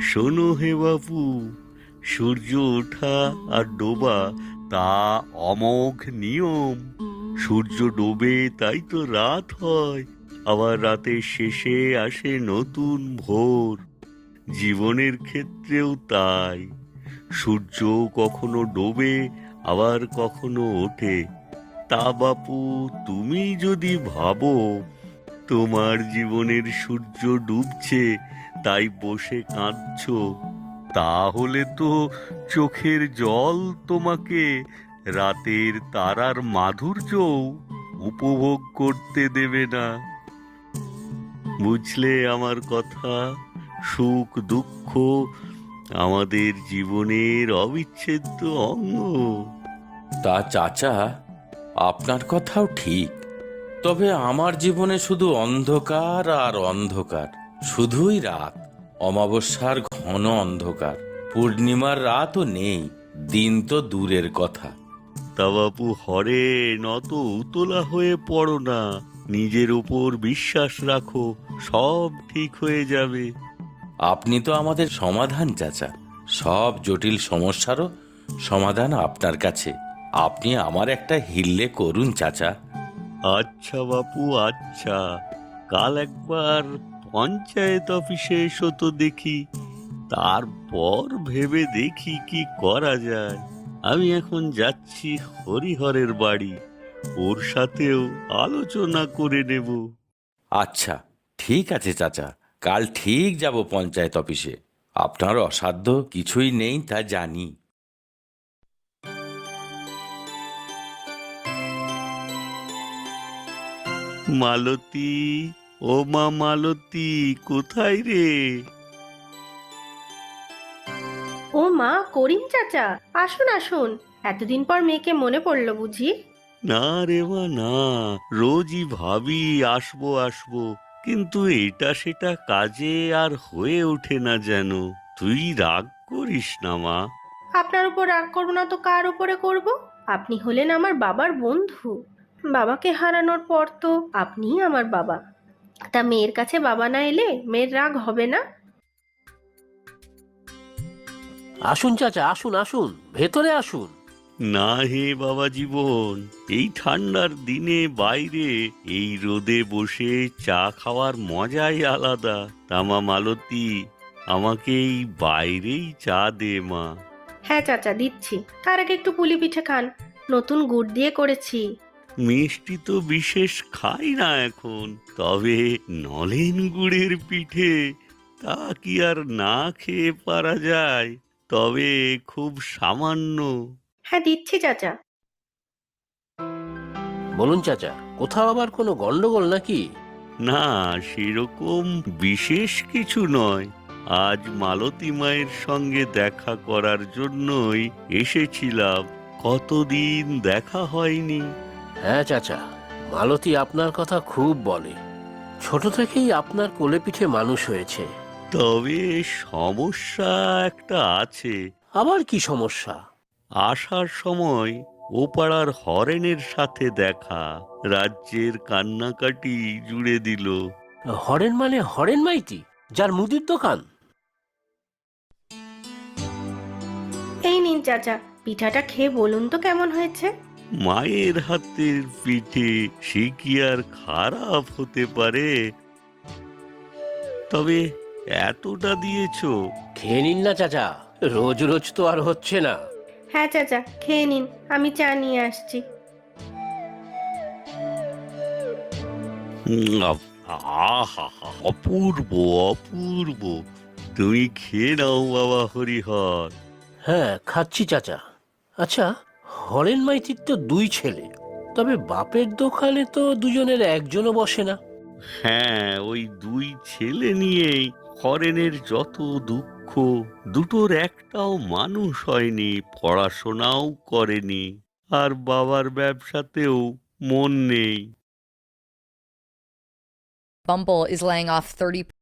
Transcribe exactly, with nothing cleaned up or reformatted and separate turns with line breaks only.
শোনো হে বাপু, সূর্য ওঠা আর ডোবা তা অমোঘ নিয়ম। সূর্য ডোবে তাই তো রাত হয়, আবার রাতের শেষে আসে নতুন ভোর। জীবনের ক্ষেত্রেও তাই, সূর্য কখনো ডোবে আবার কখনো ওঠে। তা বাপু, তুমি যদি ভাবো তোমার জীবনের সূর্য ডুবছে তাই বসে কাঁদছো, তাহলে তো চোখের জল তোমাকে রাতের তারার মাধুর্যও উপভোগ করতে দেবে না। বুঝলে আমার কথা? সুখ দুঃখ আমাদের জীবনের অবিচ্ছেদ্য অঙ্গ।
তা চাচা, আপনার কথাও ঠিক। তবে আমার জীবনে শুধু অন্ধকার আর অন্ধকার, শুধুই রাত। অমাবস্যার ঘন অন্ধকার, পূর্ণিমার রাতও নেই, দিন তো দূরের কথা।
তা বাপু হরেন, অত উতলা হয়ে পড়ো না। নিজের উপর বিশ্বাস রাখো, সব ঠিক হয়ে যাবে।
আপনি তো আমাদের সমাধান চাচা। সব জটিল সমস্যারও সমাধান আপনার কাছে। আপনি আমার একটা হিল্লে করুন চাচা।
আচ্ছা বাপু, আচ্ছা, কাল একবার পঞ্চায়েত অফিসে এসো তো দেখি, তারপর ভেবে দেখি কি করা যায়। আমি এখন যাচ্ছি হরিহরের বাড়ি, ওর সাথেও আলোচনা করে নেব।
আচ্ছা, ঠিক আছে চাচা, কাল ঠিক যাব পঞ্চায়েত অফিসে। আপনার অসাধ্য কিছুই নেই তা জানি।
মালতী, ও মা মালতী, কোথায় রে?
ও মা, করিম চাচা, আসুন আসুন। এতদিন পর মেয়েকে মনে পড়লো বুঝি?
না রে মা না, রোজই ভাবি আসবো আসবো, কিন্তু এটা সেটা কাজে আর হয়ে ওঠে না যেন। তুই রাগ করিস না মা।
আপনার উপর রাগ করবো না তো কার উপরে করব? আপনি হলেন আমার বাবার বন্ধু। বাবাকে হারানোর পর তো আপনিই আমার বাবা। তা মেয়ের কাছে বাবা না এলে মেয়ের রাগ হবে না?
আসুন চাচা, আসুন আসুন, ভেতরে আসুন।
না হে বাবা জীবন, এই ঠান্ডার দিনে বাইরে এই রোদে বসে চা খাওয়ার মজাই আলাদা। তামা মালতী, আমাকে এই বাইরেই চা দে মা।
হ্যাঁ চাচা, দিচ্ছি। তার আগে একটু পুলি পিঠে খান, নতুন গুড় দিয়ে করেছি।
মিষ্টি তো বিশেষ খাই না এখন, তবে নলেন গুড়ের পিঠে তা কি আর না খেয়ে পারা যায়? তবে খুব সামান্য।
হ্যাঁ, দিচ্ছি চাচা।
বলুন চাচা, কোথাও আবার কোনো গন্ডগোল নাকি?
না, সেরকম বিশেষ কিছু নয়। আজ মালতী মায়ের সঙ্গে দেখা করার জন্যই এসেছিলাম, কতদিন দেখা হয়নি।
হ্যাঁ চাচা, মালতী আপনার কথা খুব বলে। ছোট থেকেই আপনার কোলে পিঠে মানুষ হয়েছে।
তবে সমস্যা একটা আছে।
আবার কি সমস্যা?
আসার সময় ও পাড়ার হরেনের সাথে দেখা, রাজ্যের কান্নাকাটি জুড়ে দিল।
হরেন মানে হরেন মাইতি, যার মুদির দোকান?
এই নিন চাচা, পিঠাটা খেয়ে বলুন তো কেমন হয়েছে।
মায়ের হাতের পিঠে সে কি আর খারাপ হতে পারে? তবে এতটা দিয়েছো?
খেয়ে নিন না চাচা, রোজ রোজ তো আর হচ্ছে না।
হ্যাঁ চাচা, খেয়ে নিন, আমি চা নিয়ে আসছি।
উম, আহ, আহা, অপূর্ব অপূর্ব। তুমি খেয়ে নাও বাবা হরিহর।
হ্যাঁ, খাচ্ছি চাচা। আচ্ছা, হরেন মাইতির তো দুই ছেলে, তবে বাপের দোকানে তো দুজনের একজনও বসে না।
হ্যাঁ, ওই দুই ছেলে নিয়েই হরেনের যত দুঃখ। দুটোর একটাও মানুষ হয়নি, পড়াশোনাও করেনি, আর বাবার ব্যবসাতেও মন নেই।
Bumble is laying off thirty